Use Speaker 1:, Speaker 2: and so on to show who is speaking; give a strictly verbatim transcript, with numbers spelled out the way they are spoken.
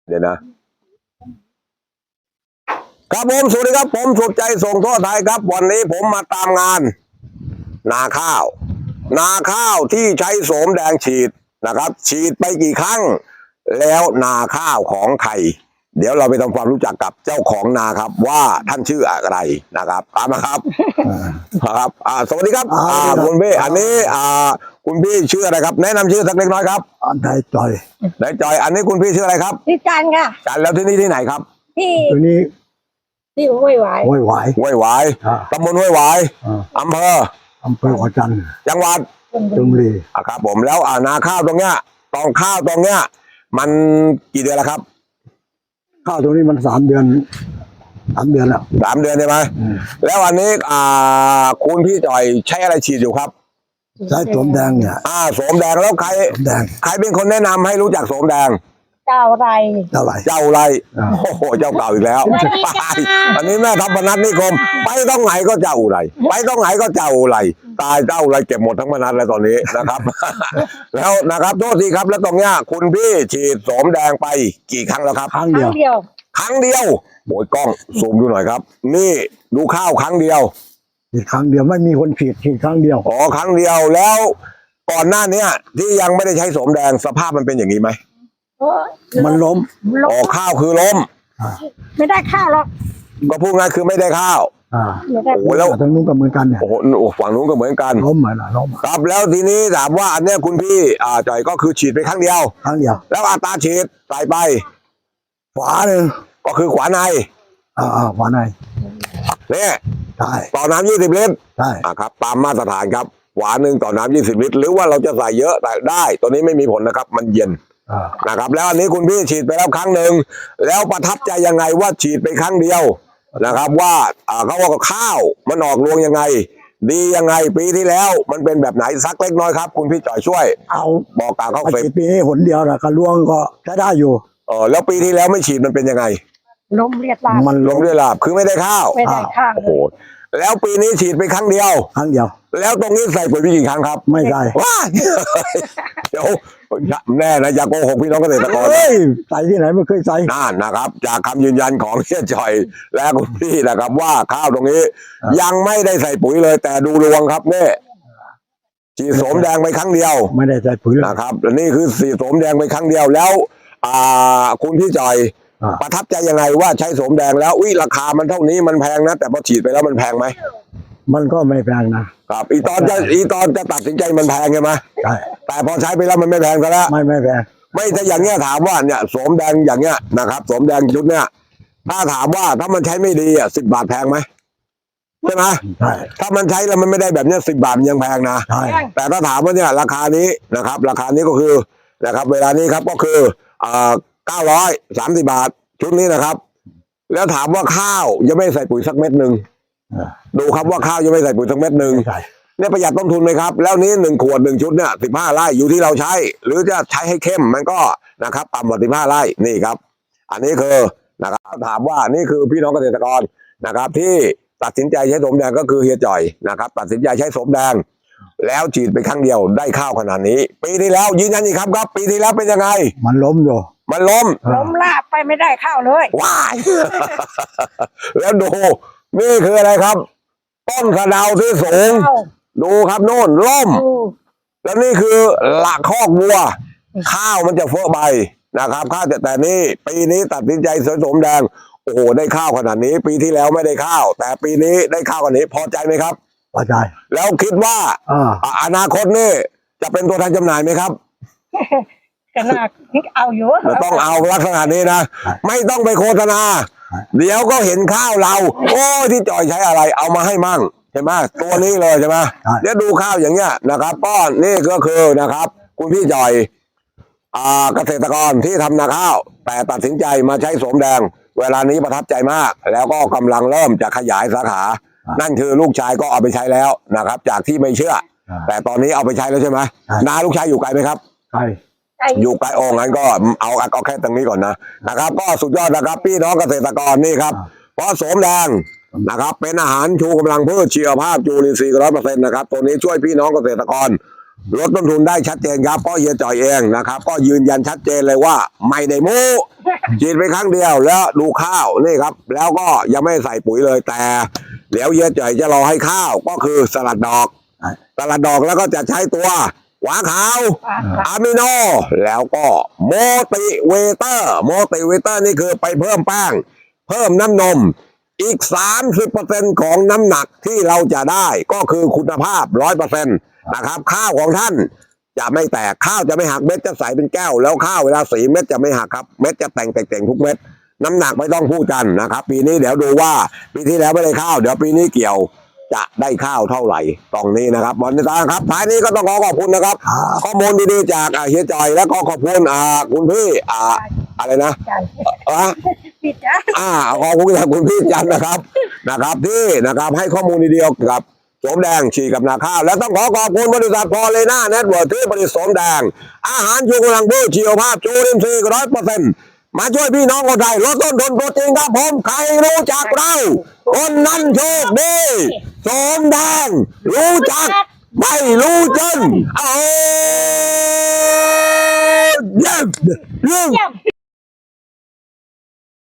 Speaker 1: เดี๋ยวนะครับผมสวัสดีครับผมสุดใจส่งทั่วไทยครับวันนี้ผมมาตามงานนาข้าวนาข้าวที่ใช้โสมแดงฉีดนะครับฉีดไปกี่ครั้งแล้วนาข้าวของใครเดี๋ยวเราไปทำความรู้จักกับเจ้าของนาครับว่าท่านชื่ออะไรนะครับตามมาครับครับอ่าสวัสดีครับอ่าคุณพี่อันนี้อ่าคุณพี่ชื่ออะไรครับแนะนำชื่อสักเล็กน้อยครับ
Speaker 2: นายจอย
Speaker 1: นายจอยอันนี้คุณพี่ชื่ออะไรครับ
Speaker 3: ที่จันค่ะ
Speaker 1: จันแล้วที่นี่ที่ไหนครับ
Speaker 3: ที่
Speaker 2: ตัวนี้
Speaker 3: ที่ห้วยหวาย
Speaker 2: ห้วยหวาย
Speaker 1: ห้วยหวายตำบลห้วยหวายอำเภอ
Speaker 2: อำเภอหัวจันทร์
Speaker 1: จังหวัด
Speaker 2: ชลบุรี
Speaker 1: อ่ะครับผมแล้วอ่านาข้าวตรงเนี้ยตองข้าวตรงเนี้ยมันกี่เดือนแล้วครับ
Speaker 2: ข้าวตรงนี้มันสามเดือนสามเดือนแล้ว
Speaker 1: สามเดือนใช่ไหมแล้วอันนี้อ่าคุณพี่จ่อยใช้อะไรฉีดอยู่ครับ
Speaker 2: ใช้โสมแดงเนี่ย
Speaker 1: อ่าโสมแดงแล้วใคร
Speaker 2: โสมแดง
Speaker 1: ใครเป็นคนแนะนำให้รู้จักโสมแดง
Speaker 3: เจ้าไร
Speaker 2: เจ้าไร
Speaker 1: เจ้าไรโอ้โหเจ้าเก่าอีกแล้วอันนี้แม่ทัพพนัสนิคมไปต้องไหนก็เจ้าไรไปต้องไหนก็เจ้าไรตายเจ้าไรเก็บหมดทั้งพนัสแล้วตอนนี้นะครับ แล้วนะครับโทษทีครับแล้วตรงเนี้ยคุณพี่ฉีดโสมแดงไปกี่ครั้งแล้วครับ
Speaker 2: ครั้งเดียว
Speaker 1: ครั้งเดียวโอ้ยกล้องซูมดูหน่อยครับนี่ดูข้าวครั้งเดียว
Speaker 2: ฉีดครั้งเดียวไม่มีคนฉีดฉีดครั้งเดียว
Speaker 1: อ๋อครั้งเดียวแล้วก่อนหน้านี้ที่ยังไม่ได้ใช้โสมแดงสภาพมันเป็นอย่างนี้ไหม
Speaker 2: มันล้ม
Speaker 1: อ๋อข้าวคือล้ม
Speaker 3: ไม่ได้ข้าวหรอก
Speaker 1: ก็พูดง่ายคือไม่ได้ข้าว
Speaker 2: อ่าโอ้
Speaker 1: แล้ว
Speaker 2: ทางนู้นก็เหมือนกันเนี่ย
Speaker 1: โอ้โหฝั่งนู้นก็เหมือนกัน
Speaker 2: ล้มเหมือนล้ม
Speaker 1: ครับแล้วทีนี้ถามว่าอันเนี้ยคุณพี่อ่าจ่อยก็คือฉีดไปครั้งเดียว
Speaker 2: ครั้งเดียว
Speaker 1: แล้วอัตราฉีดใส่ไป
Speaker 2: ขวาหนึ่ง
Speaker 1: ก็คือขวาใน
Speaker 2: อ่าขวาใน
Speaker 1: เนี่ย
Speaker 2: ใช่
Speaker 1: ต่อน้ำยี่สิบลิตร
Speaker 2: ใช่
Speaker 1: อ่าครับตามมาตรฐานครับขวาหนึ่งต่อน้ำยี่สิบลิตรหรือว่าเราจะใส่เยอะแต่ได้ตัวนี้ไม่มีผลนะครับมันเย็นนะครับแล้วอันนี้คุณพี่ฉีดไปแล้วครั้งหนึ่งแล้วประทับใจยังไงว่าฉีดไปครั้งเดียวนะครับว่าเขาว่าข้าวมันออกรวงยังไงดียังไงปีที่แล้วมันเป็นแบบไหนสักเล็กน้อยครับคุณพี่จ่อยช่วย
Speaker 2: เอา
Speaker 1: บอกกล่าวเขา
Speaker 2: ไปปีนี้หนเดียวนะกระรวงก็ใช้ได้อยู่
Speaker 1: เออแล้วปีที่แล้วไม่ฉีดมันเป็นยังไง
Speaker 3: ล้มเรียดลาบ
Speaker 1: มันล้มเรียดลาบคือไม่ได้ข้าว
Speaker 3: ไม่ได้ข้าว
Speaker 1: โอ้โหแล้วปีนี้ฉีดไปครั้งเดียว
Speaker 2: ครั้งเดียว
Speaker 1: แล้วตรงนี้ใส่ปุ๋ยไปกี่ครั้งครับ
Speaker 2: ไม่ใส่
Speaker 1: ว้าเดี๋ยวแน่นะอย่าโกหกพี่น้องเกษตรกร
Speaker 2: เฮ้ยใส่ที่ไหนไม่เคยใส่
Speaker 1: นั่นนะครับจากคำยืนยันของเฮียจ่อยและคุณพี่นะครับว่าข้าวตรงนี้ยังไม่ได้ใส่ปุ๋ยเลยแต่ดูรวงครับเนี่ยฉีดโสมแดงไปครั้งเดียว
Speaker 2: ไม่ได้ใส่ปุ๋ย
Speaker 1: นะครับนี่คือฉีดโสมแดงไปครั้งเดียวแล้วอ่าคุณพี่จ่อยประทับใจยังไงว่าใช้โสมแดงแล้วอุ้ยราคามันเท่านี้มันแพงนะแต่พอฉีดไปแล้วมันแพงไหม
Speaker 2: มันก็ไม่แพงนะครับ
Speaker 1: อีตอนจะอีตอนจะตัดสินใจมันแพงใช่ไหม
Speaker 2: ใช่
Speaker 1: แต่พอใช้ไปแล้วมันไม่แพงซะแล้ว
Speaker 2: ไม่ไม่แพง
Speaker 1: ไม่ถ้าอย่างเงี้ยถามว่าเนี่ยโสมแดงอย่างเงี้ยนะครับโสมแดงชุดเนี้ยถ้าถามว่าถ้ามันใช้ไม่ดีอ่ะสิบบาทแพงไหมใช่ไหม
Speaker 2: ใช่
Speaker 1: ถ้ามันใช้แล้วมันไม่ได้แบบเนี้ยสิบบาทมันยังแพงนะ
Speaker 2: ใช่
Speaker 1: แต่ถ้าถามว่าเนี่ยราคานี้นะครับราคานี้ก็คือนะครับเวลานี้ครับก็คืออ่าเก้าร้อยสามสิบบาทชุดนี้นะครับแล้วถามว่าข้าวยังไม่ใส่ปุ๋ยสักเม็ดหนึ่งดูครับว่าข้าวยังไม่ใส่ปุ๋ยสักเม็ดหนึ่งเนี่ยประหยัดต้นทุนไหมครับแล้วนี้หนึ่งขวดหนึ่งชุดเนี่ยสิบห้าไร่อยู่ที่เราใช้หรือจะใช้ให้เข้มมันก็นะครับต่ำกว่าสิบห้าไร่นี่ครับอันนี้คือนะครับถามว่านี่คือพี่น้องเกษตรกรนะครับที่ตัดสินใจใช้โสมแดงก็คือเฮียจ่อยนะครับตัดสินใจใช้โสมแดงแล้วฉีดไปครั้งเดียวได้ข้าวขนาดนี้ปีที่แล้วยืนยันอีกครับครับปีที่แล้วเป็นยังไง
Speaker 2: มันล้มอยู่
Speaker 1: มันล้ม
Speaker 3: ล้มลาบไปไม่ได้ข้าวเลย
Speaker 1: ว้ายแล้วดูนี่คืออะไรครับต้นกระเดาที่สูงดูครับโน่นล่มแล้วนี่คือหลักคอกวัวข้าวมันจะเฟ้อใบนะครับข้าวแต่แต่นี่ปีนี้ตัดสินใจสวยสมแดงโอ้โหได้ข้าวขนาดนี้ปีที่แล้วไม่ได้ข้าวแต่ปีนี้ได้ข้าวขนาดนี้พอใจไหมครับ
Speaker 2: พอใจ
Speaker 1: แล้วคิดว่าอนาคตนี่จะเป็นตัวแทนจำหน่ายไหมครับ
Speaker 3: ก็น่าเอาอยู่
Speaker 1: ต้องเอาลักษณะนี้นะไม่ต้องไปโฆษณาเดี๋ยวก็เห็นข้าวเราโอ้ที่จ่อยใช้อะไรเอามาให้มั่งใช่ไหมตัวนี้เลยใช่ไหมเดี๋ยวดูข้าวอย่างเงี้ยนะครับป้อนนี่ก็คือนะครับคุณพี่จ่อยเกษตรกรที่ทำนาข้าวแต่ตัดสินใจมาใช้โสมแดงเวลานี้ประทับใจมากแล้วก็กำลังเริ่มจะขยายสาขานั่นคือลูกชายก็เอาไปใช้แล้วนะครับจากที่ไม่เชื่อแต่ตอนนี้เอาไปใช้แล้วใช่ไหมนาลูกชายอยู่ไกลไหมครับ
Speaker 2: ไกล
Speaker 1: อยู่ไกลโอ้งั้นก็เอาเอาแค่ตรงนี้ก่อนนะนะครับก็สุดยอดนะครับพี่น้องเกษตรกรนี่ครับเพราะโสมแดงนะครับเป็นอาหารชูกำลังพืชชีวภาพจุลินทรีย์ร้อยเปอร์เซ็นต์นะครับตัวนี้ช่วยพี่น้องเกษตรกรลดต้นทุนได้ชัดเจนครับเพราะเฮียจ่อยเองนะครับ ก็ยืนยันชัดเจนเลยว่าไม่ได้โม้ฉีดไปครั้งเดียวแล้วดูข้าวนี่ครับ แล้วก็ยังไม่ใส่ปุ๋ยเลยแต่เดี๋ยวเฮียจ่อยจะรอให้ข้าวก็คือสลัดดอกสลัดดอกแล้วก็จะใช้ตัวหวาขาวอะมิโนแล้วก็โมติเวเตอร์โมติเวเตอร์นี่คือไปเพิ่มแป้ง เพิ่มน้ำนมอีก สามสิบเปอร์เซ็นต์ ของน้ำหนักที่เราจะได้ก็คือคุณภาพ ร้อยเปอร์เซ็นต์ นะครับข้าวของท่านจะไม่แตกข้าวจะไม่หักเม็ดจะใสเป็นแก้วแล้วข้าวเวลาสีเม็ดจะไม่หักครับเม็ดจะแต่งแต่งๆทุกเม็ดน้ำหนักไม่ต้องพูดกันนะครับ ปีนี้เดี๋ยวดูว่าปีที่แล้วไม่ได้ข้าวเดี๋ยวปีนี้เกี่ยวจะได้ข้าวเท่าไหร่ตรงนี้นะครับบอลตาครับท้ายนี้ก็ต้องขอขอบคุณนะครับ ข้อมูลดีๆจากอ่าเฮียจอยแล้วก็ขอบคุณอ่าคุณพี่อ่าอะไรนะ
Speaker 3: ใจ
Speaker 1: อ่ะ
Speaker 3: ปิดจ้ะ
Speaker 1: อ่าขอบคุณจากคุณพี่จันทร์นะครับนะครับ ที่นะครับให้ข้อมูลดีๆเกี่ยวกับโสมแดงฉีดกับนาข้าวแล้วต้องขอขอบคุณบริษัทพอเลน่าเน็ตเวิร์กที่ผลิตโสมแดง อาหารชูกำลังบูชีวภาพจูรินทรีย์ร้อยเปอร์เซ็นต์มาช่วยพี่น้องคนไทยลดต้นทุนโปรตีนครับผมใครรู้จักเราคนนั้นโชคดีโสมแดงรู้จักไม่รู้จนเอาเยี่ยมเยี่ยม
Speaker 3: เยี่ยม